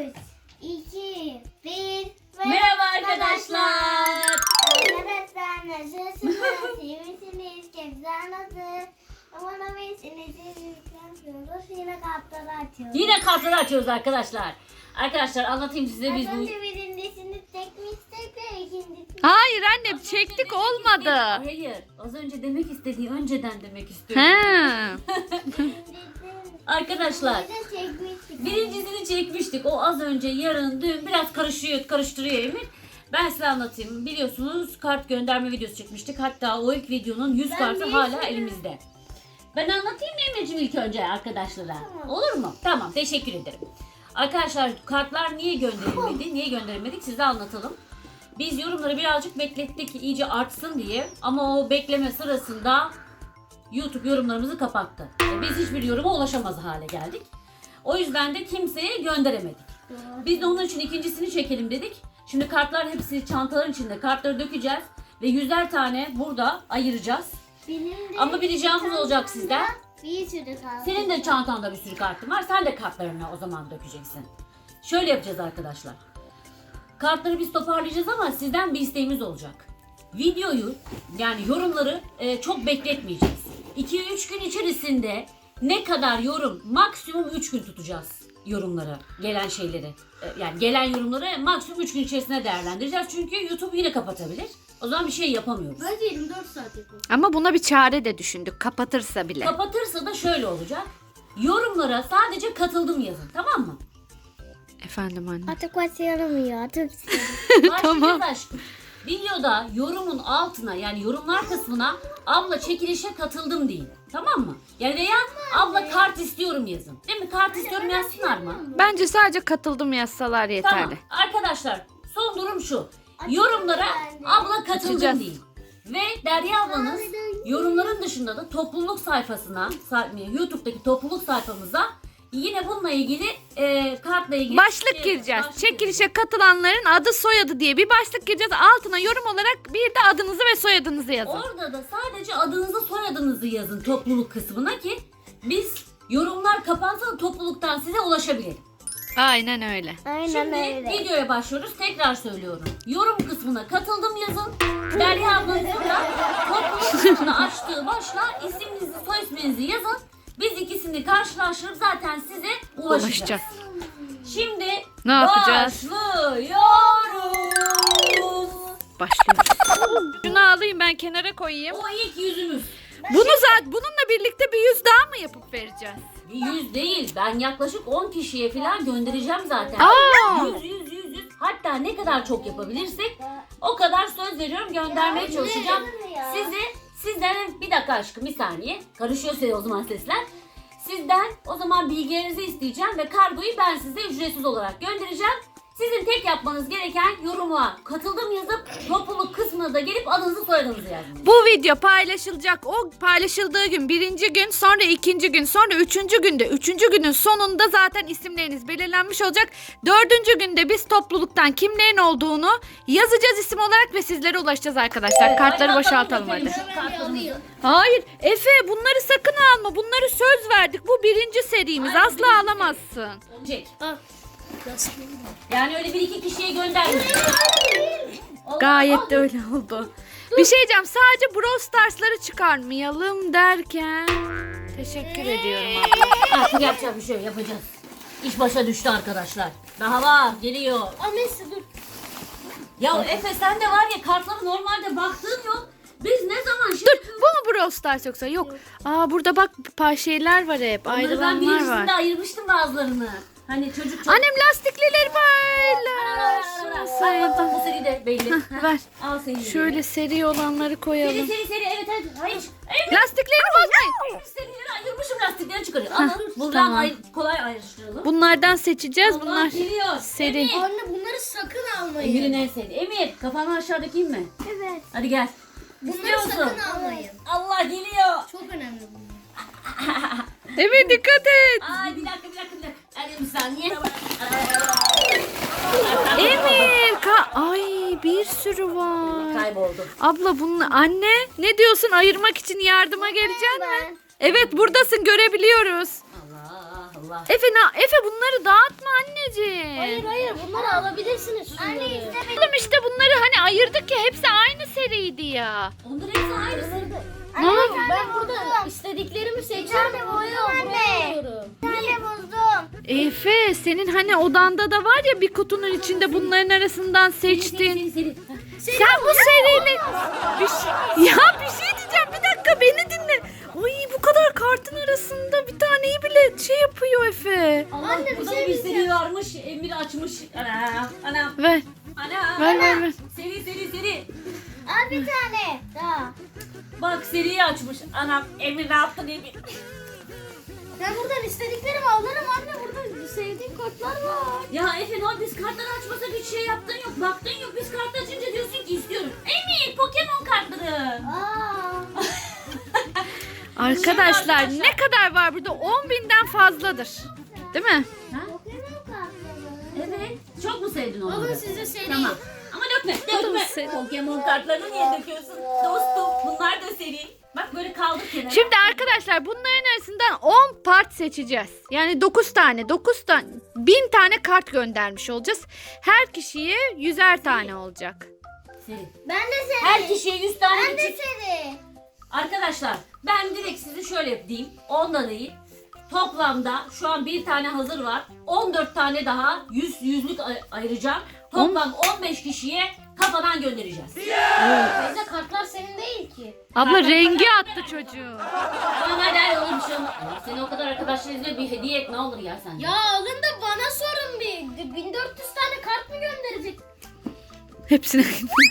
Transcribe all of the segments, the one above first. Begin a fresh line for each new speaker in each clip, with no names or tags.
3, 2, 1.
Merhaba arkadaşlar.
Arkadaşlar nasılsınız? İyi misiniz? Kevzar nasıl? Umarım iyisiniz. Yine kartları açıyoruz.
Yine kartları açıyoruz arkadaşlar. Arkadaşlar anlatayım size biz
Az
bu...
önce birincisini çekmiştik ve ikincisini.
Hayır anne çektik olmadı.
Hayır. Az önce demek istediği önceden demek istiyorum.
He.
Arkadaşlar
Bir de çekmiştik.
birincisini çekmiştik. O az önce, yarın, dün biraz karıştırıyor Emir. Ben size anlatayım. Biliyorsunuz kart gönderme videosu çekmiştik. Hatta o ilk videonun 100 kartı hala elimizde. Ben anlatayım mı Emir'ciğim ilk önce arkadaşlara?
Tamam.
Olur mu? Tamam, teşekkür ederim. Arkadaşlar kartlar niye gönderilmedi? Niye gönderemedik size anlatalım. Biz yorumları birazcık beklettik iyice artsın diye. Ama o bekleme sırasında YouTube yorumlarımızı kapattı. Biz hiçbir yoruma ulaşamaz hale geldik. O yüzden de kimseye gönderemedik. Biz de onun için ikincisini çekelim dedik. Şimdi kartlar hepsi çantaların içinde. Kartları dökeceğiz ve 100'er tane burada ayıracağız.
Benim de
Ama bir ricamız olacak sizden.
bir sürü kart.
Senin de çantanda bir sürü kartın var. Sen de kartlarını o zaman dökeceksin. Şöyle yapacağız arkadaşlar. Kartları biz toparlayacağız ama sizden bir isteğimiz olacak. Videoyu yani yorumları çok bekletmeyeceğiz. 2-3 gün içerisinde ne kadar yorum, maksimum 3 gün tutacağız yorumları, gelen şeyleri. Yani gelen yorumları maksimum 3 gün içerisinde değerlendireceğiz. Çünkü YouTube yine kapatabilir. O zaman bir şey yapamıyoruz.
Bence 24 saat yapalım.
Ama buna bir çare de düşündük kapatırsa bile.
Kapatırsa da şöyle olacak. Yorumlara sadece katıldım yazın, tamam mı?
Efendim anne.
Artık başlayalım ya. Artık
Başlayacağız aşkım. Videoda yorumun altına yani yorumlar kısmına abla çekilişe katıldım deyin. Tamam mı? Yani veya abla kart istiyorum yazın. Değil mi? Kart istiyorum yazsınlar mı?
Bence sadece katıldım yazsalar
Tamam.
yeterli.
Arkadaşlar son durum şu. Yorumlara abla katıldım
Açacağız.
deyin. Ve Derya ablanız yorumların dışında da topluluk sayfasına, YouTube'daki topluluk sayfamıza yine bununla ilgili kartla ilgili
Başlık gireceğiz.
başlık
Çekilişe katılanların adı soyadı diye bir başlık gireceğiz. Altına yorum olarak bir de adınızı ve soyadınızı yazın.
Orada da sadece adınızı soyadınızı yazın topluluk kısmına ki biz yorumlar kapansa da topluluktan size ulaşabilirim.
Aynen öyle.
Aynen
Şimdi
öyle.
videoya başlıyoruz. Tekrar söylüyorum. Yorum kısmına katıldım yazın. Derya ablanızın da topluluk kısmını açtığı başla isminizi soy isminizi yazın. Biz ikisini karşılaştırıp zaten size ulaşacağız.
Ulaşacağız.
Şimdi
Ne yapacağız?
başlıyoruz.
Başlıyoruz. Şunu alayım ben kenara koyayım.
O ilk yüzümüz.
Bununla birlikte bir 100 daha mı yapıp vereceğiz?
100 değil. Ben yaklaşık 10 kişiye falan göndereceğim zaten.
Aa!
100. Hatta ne kadar çok yapabilirsek o kadar söz veriyorum göndermeye çalışacağım. Sizden bir dakika aşkım bir saniye. Karışıyor size o zaman sesler. Sizden o zaman bilgilerinizi isteyeceğim ve kargoyu ben size ücretsiz olarak göndereceğim. Sizin tek yapmanız gereken yoruma katıldım yazıp topluluk kısmına da gelip adınızı soyadınızı yazmanız.
Bu video paylaşılacak. O paylaşıldığı gün birinci gün, sonra ikinci gün, sonra üçüncü günde. Üçüncü günün sonunda zaten isimleriniz belirlenmiş olacak. Dördüncü günde biz topluluktan kimlerin olduğunu yazacağız isim olarak ve sizlere ulaşacağız arkadaşlar.
Evet,
Kartları
hadi
boşaltalım
atalım
hadi.
efendim şu kartlarımızı.
Hayır Efe bunları sakın alma. Bunları söz verdik. Bu birinci serimiz.
Hayır,
Asla
birinci
alamazsın.
Çek. Yani öyle bir iki kişiye göndermeyin.
Gayet de öyle oldu. Bir şey diyeceğim. Sadece Brawl Stars'ları çıkarmayalım derken. Teşekkür ediyorum abla.
Artık yapacak bir şey yok, yapacağız. İş başa düştü arkadaşlar. Daha var geliyor.
Annesi dur.
Ya Efe sen de var ya kartlara normalde baktığın yok. Biz ne zaman şimdi...
Dur bu mu Brawl Stars yoksa? Yok. Aa burada bak şeyler var hep.
Onları ben
Ayrılanlar
birincisinde
var.
ayırmıştım bazılarını. Hani çocuk çok...
Annem lastiklileri paylaş.
Bak, bu seri de belli.
Ver.
Al seni.
Şöyle seri olanları koyalım.
Seri evet. Hayır. Evet.
Lastiklerini bozmayın.
Serileri ayırmışım lastikleri çıkarıyor. Alın buradan
tamam.
kolay ayrıştıralım.
Bunlardan seçeceğiz.
Allah
Bunlar
geliyor.
seri.
Emir.
Anne bunları sakın almayın.
Emir'in en sevdiği. Emir kafanı aşağıdaki mi?
Evet.
Hadi gel.
Bunları
İstiyor musun?
sakın almayın.
Allah geliyor.
Çok önemli bunlar.
Evet dikkat et.
Ay bir dakika. Hadi bir saniye.
Emir. Ay bir sürü var.
Kayboldu.
Abla bunun anne ne diyorsun ayırmak için yardıma geleceksin mi?
Ben.
Evet buradasın görebiliyoruz.
Allah.
Efe bunları dağıtma anneciğim.
Onları alabilirsiniz şunları.
Oğlum işte bunları hani ayırdık ya, hepsi aynı seriydi ya.
Onların hepsi aynısı.
Ben burada istediklerimi seçiyorum. Buraya alıyorum. Ben buldum.
Efe, senin hani odanda da var ya bir kutunun içinde bunların arasından seçtiğin.
Seri.
Sen bu serinin bir şey diyeceğim, bir dakika beni dinle. Ay, bu kadar kartın arasında bir taneyi bile şey yapıyor Efe.
Allah, burada da bir seri varmış. Emir açmış. Ana.
Ver.
Ana. Seri.
Al bir tane daha.
Bak seriyi açmış. Anam Emir ne yaptın Emir?
Ben buradan istediklerimi alırım anne. Burada sevdiğim kartlar var.
Ya Efe ne oldu? Biz kartları açmasak hiç şey yaptın yok. Baktın yok. Biz kart açınca diyorsun ki istiyorum. Emir Pokemon kartları.
Arkadaşlar ne kadar var burada? 10.000'den fazladır. Değil mi?
Ha? Evet. Çok mu sevdin onları?
Alın size seri.
Tamam. Ama dökme. Pokemon kartlarını niye döküyorsun? Dostum bunlar da seri. Bak böyle kaldık kenara.
Şimdi arkadaşlar bunların arasından 10 part seçeceğiz. Yani 9 tane 1000 tane kart göndermiş olacağız. Her kişiye 100'er tane olacak.
Seri.
Ben de seri.
Her kişiye 100 tane
Ben de
küçük.
seri.
Arkadaşlar ben direkt sizi şöyle diyeyim. Ondan değil. Toplamda şu an bir tane hazır var. 14 tane daha yüzlük ayıracağım. Toplam 15 kişiye kafadan göndereceğiz.
Teyze kartlar senin değil ki.
Abla rengi attı çocuğu.
Tamam hadi olur bir şey olmaz. Seni o kadar arkadaşlar izliyor, bir hediye et ne olur ya sen.
Ya alın da bana sorun bir. 1400 tane kart mı gönderecek?
Hepsini.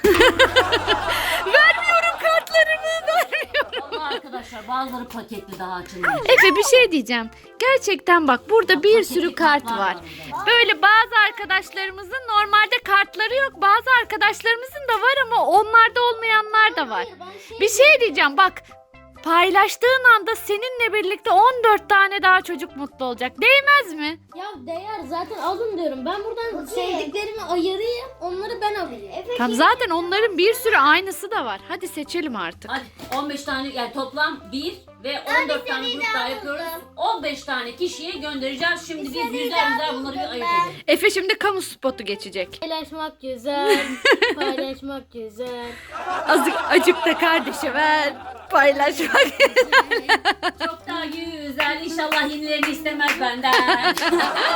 Vermiyorum kartlarımı. Vermiyorum.
Vallahi arkadaşlar bazıları paketli daha açılmış.
Efe bir şey diyeceğim. Gerçekten bak burada bir sürü kart var. Böyle bazı arkadaşlarımızın normalde kartları yok. Bazı arkadaşlarımızın da var ama onlarda olmayanlar da var. Bir şey diyeceğim bak. Paylaştığın anda seninle birlikte 14 tane daha çocuk mutlu olacak. Değmez mi?
Ya değer zaten alın diyorum. Ben buradan sevdiklerimi ayırayım. Onları ben alayım.
Tam zaten onların bir sürü aynısı da var. Hadi seçelim artık.
Hadi 15 tane yani toplam 1 ve 14 tane grup daha yapıyoruz. 15 tane kişiye göndereceğiz. Şimdi biz yüzler bunları bir ayırt edelim.
Efe şimdi kamu spotu geçecek.
Paylaşmak güzel. Paylaşmak güzel.
Acık da kardeşe ver. Paylaşmak.
Çok daha güzel. İnşallah yenilerini istemez benden. 2,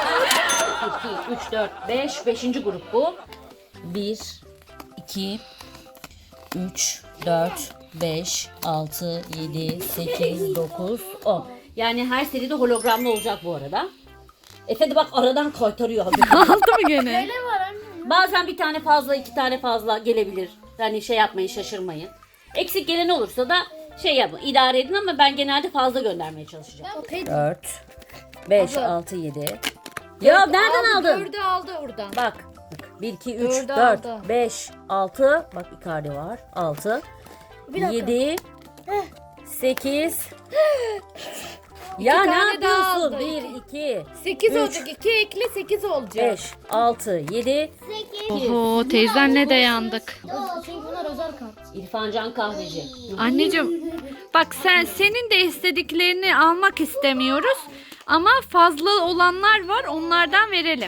3, 4, 5. 5. grup bu. 1, 2, 3, 4, 5, 6, 7, 8, 9, 10. Yani her seride hologramlı olacak bu arada. Efe de bak aradan kaytarıyor.
Aldı mı gene?
Ne var anne?
Bazen bir tane fazla, 2 tane fazla gelebilir. Yani şey yapmayın, şaşırmayın. Eksik gelen olursa da şey yapın, idare edin ama ben genelde fazla göndermeye çalışacağım. 4, 5, 6, 7. Ya nereden aldın?
4'ü aldı oradan.
Bak. 1, 2, 3,
Dördü
4,
aldı.
5, 6. Bak Icardi var. 6. 7, 8. Ya ne
tane daha
yapıyorsun?
aldı.
1, 2,
8
Üç.
olacak. 2 ekle 8 olacak.
5, 6, 7.
Oho teyzenle de yandık.
Çünkü bunlar özel kart.
İrfancan Kahveci.
Anneciğim bak senin de istediklerini almak istemiyoruz. Ama fazla olanlar var onlardan verelim.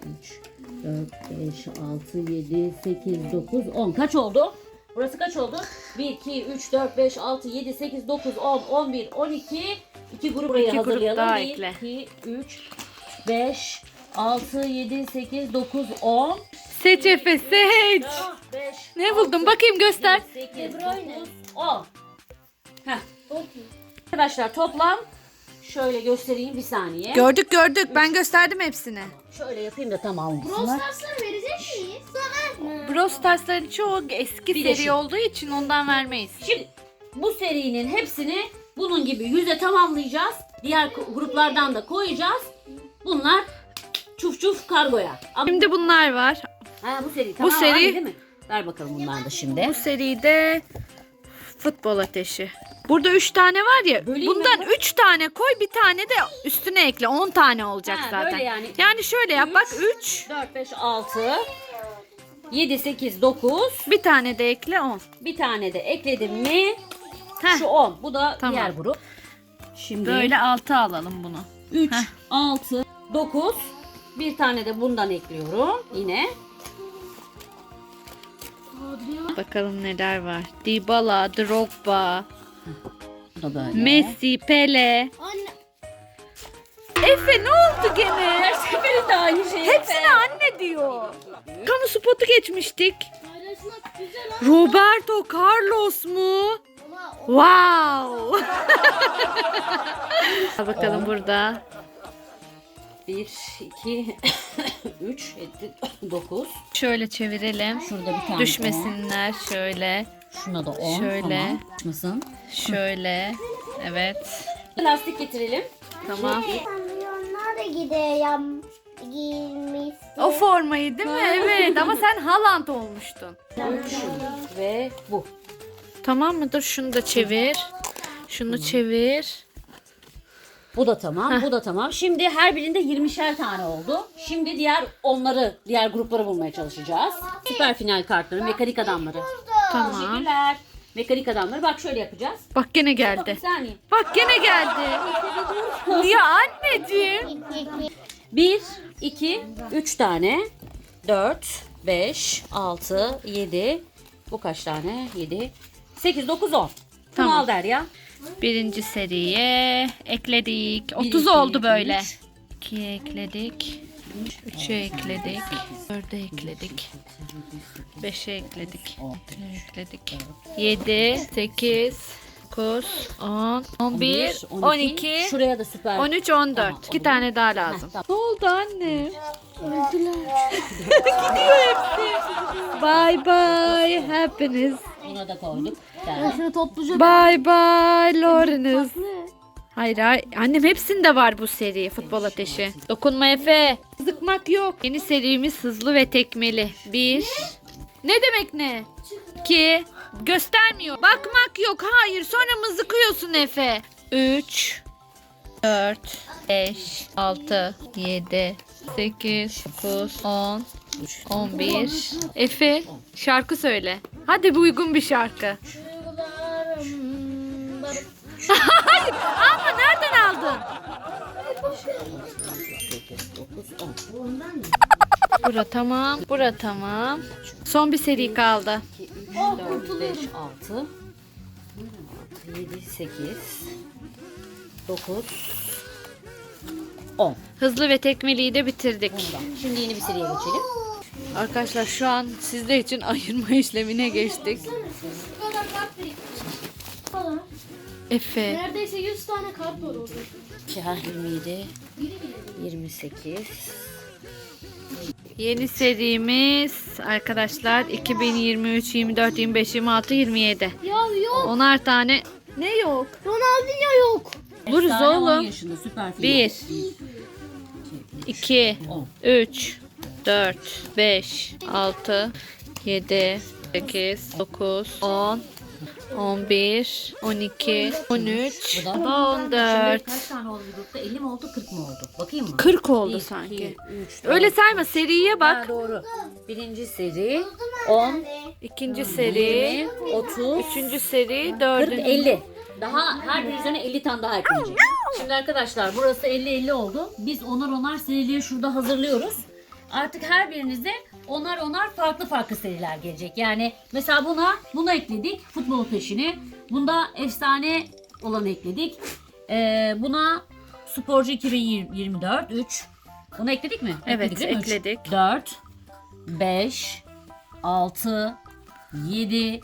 4, 5, 6, 7, 8, 9, 10. Kaç oldu? Burası kaç oldu? 1, 2, 3, 4, 5, 6, 7, 8, 9, 10, 11, 12. 2 grup buraya
İki grup
hazırlayalım.
daha
1,
ekle.
2, 3, 5, 6, 7, 8, 9, 10.
Seç Efe seç.
4, 5,
Ne buldun bakayım göster.
8, 9, 10. Heh. Arkadaşlar toplam şöyle göstereyim bir saniye.
Gördük ben gösterdim hepsini.
Şöyle yapayım da tamam
Brawl
olsunlar.
Stars'ları verecek miyiz? Sana.
Brawl Stars'ların çoğu eski
Bir de
seri
şu.
olduğu için ondan vermeyiz.
Şimdi bu serinin hepsini bunun gibi 100'e tamamlayacağız. Diğer gruplardan da koyacağız. Bunlar çuf çuf kargoya. Ama
Şimdi bunlar var.
bu seri tamam
seri-
değil mi? Ver bakalım bunlar da şimdi.
Bu seride futbol ateşi. Burada 3 tane var ya.
Böleyim mi
bundan
bunu?
3 tane koy bir tane de üstüne ekle. 10 tane olacak
Ha,
zaten.
böyle yani.
Yani şöyle yap bak 3.
4, 5, 6, 7, 8, 9.
Bir tane de ekle 10.
Bir tane de ekledim mi?
Heh.
Şu 10. Bu da
Tamam.
diğer grup. Şimdi
Böyle 6 alalım bunu.
3, 6, 9. Bir tane de bundan ekliyorum yine.
Bakalım neler var. Dybala, Drogba,
Bu da böyle.
Messi, Pele.
Anne.
Efe ne oldu gene?
Her seferinde aynı şey.
Hepsine anne diyor. Kamu spotu geçmiştik.
Paylaşmak güzel ama.
Roberto Carlos mu? Wow. Al bakalım burada.
1, 2, 3, 9.
Şöyle çevirelim.
Şurada bir tane
Düşmesinler şöyle.
10. Şuna da 10.
Şöyle.
Tamam. Düşmesin.
Şöyle. Evet.
Lastik getirelim.
Tamam.
Onlar da gidiyor giymiş.
O formayı değil mi? Evet ama sen Haaland olmuştun.
3 ve bu.
Tamam mıdır? Şunu da çevir. Şunu çevir.
Bu da tamam, bu da tamam. Şimdi her birinde 20'şer tane oldu. Şimdi diğer grupları bulmaya çalışacağız. Süper final kartları, mekanik adamları.
Tamam.
Teşekkürler. Mekanik adamları bak şöyle yapacağız.
Bak gene
Bir
geldi.
saniye.
Bak gene geldi. Ya anneciğim.
1, 2, 3 tane. 4, 5, 6, 7. Bu kaç tane? 7, 8, 9, 10.
Tamam.
Bunu al Derya.
Birinci seriye ekledik.
1,
30
2,
oldu
3.
böyle. 2'ye ekledik. 3'e ekledik. 4'e ekledik. 5'e ekledik. 6'ya ekledik. 7, 8, 9, 10, 11, 12,
Şuraya da süper.
13, 14.
Tamam,
2 tane daha lazım.
Heh, tamam.
Ne oldu anne? Gidiyor hepsi. Bye bye hepiniz.
Buna da koyduk. Derya.
Şunu topluca.
Bye bye Lawrence. Hayır hayır. Annem hepsinde var bu seri futbol ateşi. Dokunma Efe. Zıkmak yok. Yeni serimiz hızlı ve tekmeli. 1. Ne demek ne? 2. Göstermiyor. Bakmak yok. Hayır. Sonra mızıkıyorsun Efe. 3. 4. 5. 6. 7. 8. 9. 10. 11. Efe şarkı söyle. Hadi bu uygun bir şarkı. Ama nereden aldın? Bura tamam. Bura tamam. Son bir seri kaldı.
2, 3, 4, 5, 6, 7, 8, 9, 10.
Hızlı ve tekmeliyi de bitirdik.
Şimdi yeni bir seriye geçelim.
Arkadaşlar şu an sizler için ayırma işlemine geçtik.
Bu kadar kart birikmiş.
Efe.
Neredeyse 100 tane kart var orada.
27, 28.
Yeni serimiz arkadaşlar 2023, 24, 25, 26, 27.
Ya yok.
10'ar tane. Ne yok?
Ronaldinho yok.
Buluruz
Efsane 10
oğlum.
yaşında süper film.
1, 2,
10.
3, 4, 5, 6, 7, 8, 9, 10, 11, 12, 13,
Bu da-
14.
Şimdi kaç tane oldu grupta? 50 mi oldu, 40 mı oldu? Bakayım mı?
40 oldu
1,
sanki.
2, 3,
Öyle sayma, seriye bak.
Ha, doğru. Birinci seri 10,
İkinci seri,
20, 30,
üçüncü seri,
40,
dördüncü.
50. Daha her bir üzerine 50 tane daha ekleyecek. Şimdi arkadaşlar burası 50-50 oldu. Biz onar serileri şurada hazırlıyoruz. Artık her birinize onar farklı seriler gelecek. Yani mesela buna ekledik futbol ateşini. Bunda efsane olanı ekledik. Buna sporcu 2024 3. Bunu ekledik mi?
Evet,
değil mi? Üç.
ekledik.
4 5 6 7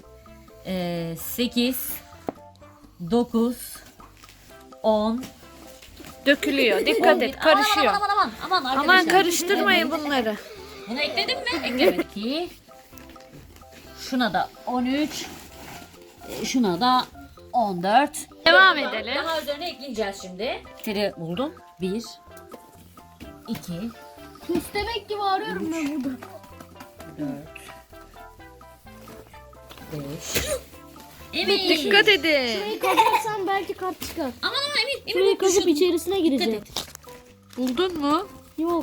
8 9 10.
Dökülüyor. Dikkat et, karışıyor.
Aman
Aman
arkadaşlar.
karıştırmayın bunları.
Bunu ekledim mi? Eklemedik ki. Şuna da 13. Şuna da 14.
Devam edelim.
Daha üzerine ekleyeceğiz şimdi. Seri buldum. 1 2
Müstemek gibi arıyorum ben burada.
4 5 Evet.
Dikkat edin.
Şurayı kazarsan belki kart çıkar.
Aman Emin
Şurayı kazıp
düşürdüm.
içerisine gireceğim.
Buldun mu?
Yok.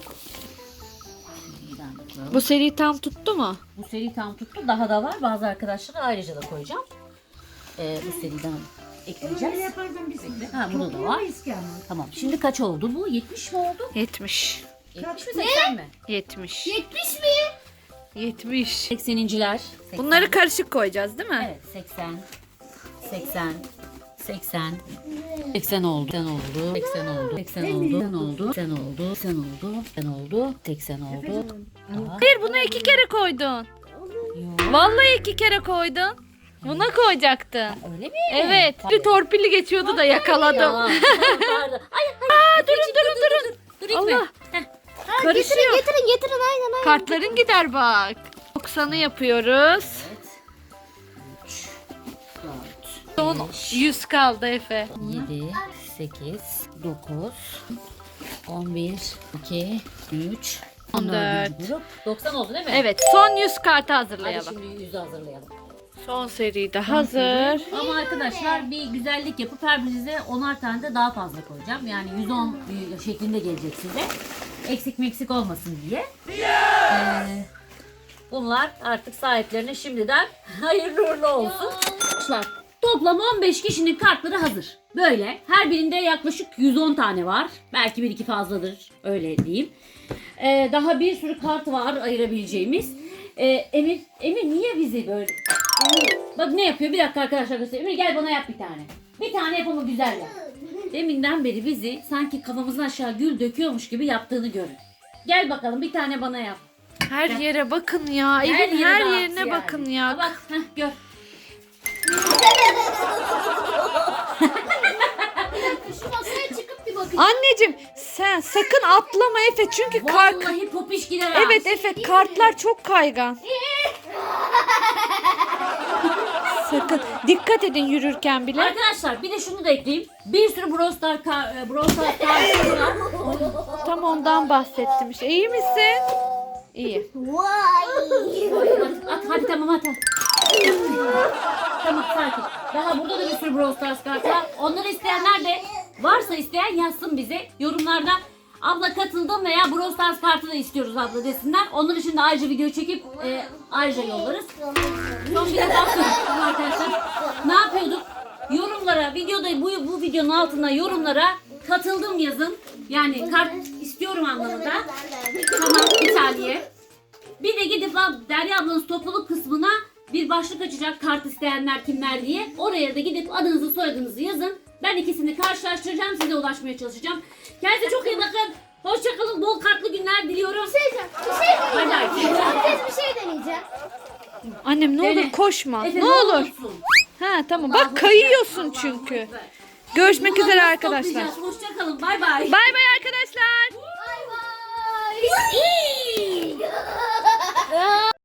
Bu seri tam tuttu mu?
Bu seri tam tuttu. Daha da var. Bazı arkadaşlara ayrıca da koyacağım. Bu seriden ekleyeceğiz. Ha burada da var. Tamam. Şimdi kaç oldu bu? 70 mi oldu?
70.
70 mi 80 mi?
70.
70 mi?
70.
80'inciler.
Bunları karışık koyacağız değil mi?
Evet 80. 80. 80. 80 oldu. 80 oldu. 80 oldu. 80 oldu. 80 oldu. 80 oldu. 80 oldu. 80 oldu.
Hayır, bunu 2 kere koydun.
Yok.
Vallahi 2 kere koydun. Buna koyacaktın.
Öyle mi?
Evet. Bir torpilli geçiyordu da yakaladım.
Tamam. Pardon. Ay, durun. Dur itme.
Allah.
Heh.
Karışıyor.
Getirin aynen.
Kartların gider bak. 90'ı yapıyoruz.
Evet. 3, 4,
Son 100 kaldı Efe.
7, 8, 9, 11, 2, 3,
14.
14. Grup. 90 oldu değil mi?
Evet, son 100 kartı
Hadi
hazırlayalım.
şimdi 100'ü hazırlayalım.
Son seri de hazır.
Ama arkadaşlar bir güzellik yapıp her birinize 10'ar tane de daha fazla koyacağım. Yani 110 şeklinde gelecek size. Eksik meksik olmasın diye. Bunlar artık sahiplerine şimdiden hayırlı uğurlu olsun. Arkadaşlar toplam 15 kişinin kartları hazır. Böyle her birinde yaklaşık 110 tane var. Belki bir iki fazladır öyle diyeyim. Daha bir sürü kart var ayırabileceğimiz. Emir niye bizi böyle... Emir, bak ne yapıyor? Bir dakika arkadaşlar göstereyim. Emir gel bana yap bir tane. Bir tane yap ama güzel yap. Deminden beri bizi sanki kafamızdan aşağı gül döküyormuş gibi yaptığını görün. Gel bakalım bir tane bana yap.
Her yere bakın ya. Evin
yere
her
dağıt
yerine
yani.
bakın ya.
Bak gör.
Şu masaya çıkıp bir bakın.
Anneciğim sen sakın atlama Efe çünkü
Vallahi popiş gider ha.
Evet Efe, kartlar çok kaygan. Sakın dikkat edin yürürken bile.
Arkadaşlar bir de şunu da ekleyeyim. Bir sürü Brawl Stars kartı var.
Tam ondan bahsettim işte. İyi misin? İyi.
Vay.
At hadi tamam at. Tamam sakin. Daha burada da bir sürü Brawl Stars kartı var. Onları isteyenler de varsa isteyen yazsın bize. Yorumlarda abla katıldım veya Brawl Stars kartı da istiyoruz abla desinler. Onlar için de ayrıca video çekip ayrıca yollarız. Son bir defa söyleyeyim arkadaşlar. Ne yapıyorduk? Yorumlara, videoda bu videonun altına yorumlara katıldım yazın. Yani kart istiyorum anlamında. Tamam bir saniye. Bir de gidip Derya ablanın topluluk kısmına bir başlık açacak kart isteyenler kimler diye. Oraya da gidip adınızı soyadınızı yazın. Ben ikisini karşılaştıracağım, size ulaşmaya çalışacağım. Kendinize çok iyi bakın. Hoşçakalın, bol kartlı günler diliyorum.
Bir şey
Bay bay.
deneyeceğim. Bir şey deneyeceğim.
Annem ne
Dene.
olur koşma.
Efe,
Ne olur.
olursun?
Ha tamam.
Allah'ım
Bak kayıyorsun
Allah'ım
çünkü.
ekber.
Görüşmek
Bunları
üzere
nasıl
arkadaşlar.
toplayacağız? Hoşçakalın, bay bay.
Bay bay arkadaşlar.
Bay bay.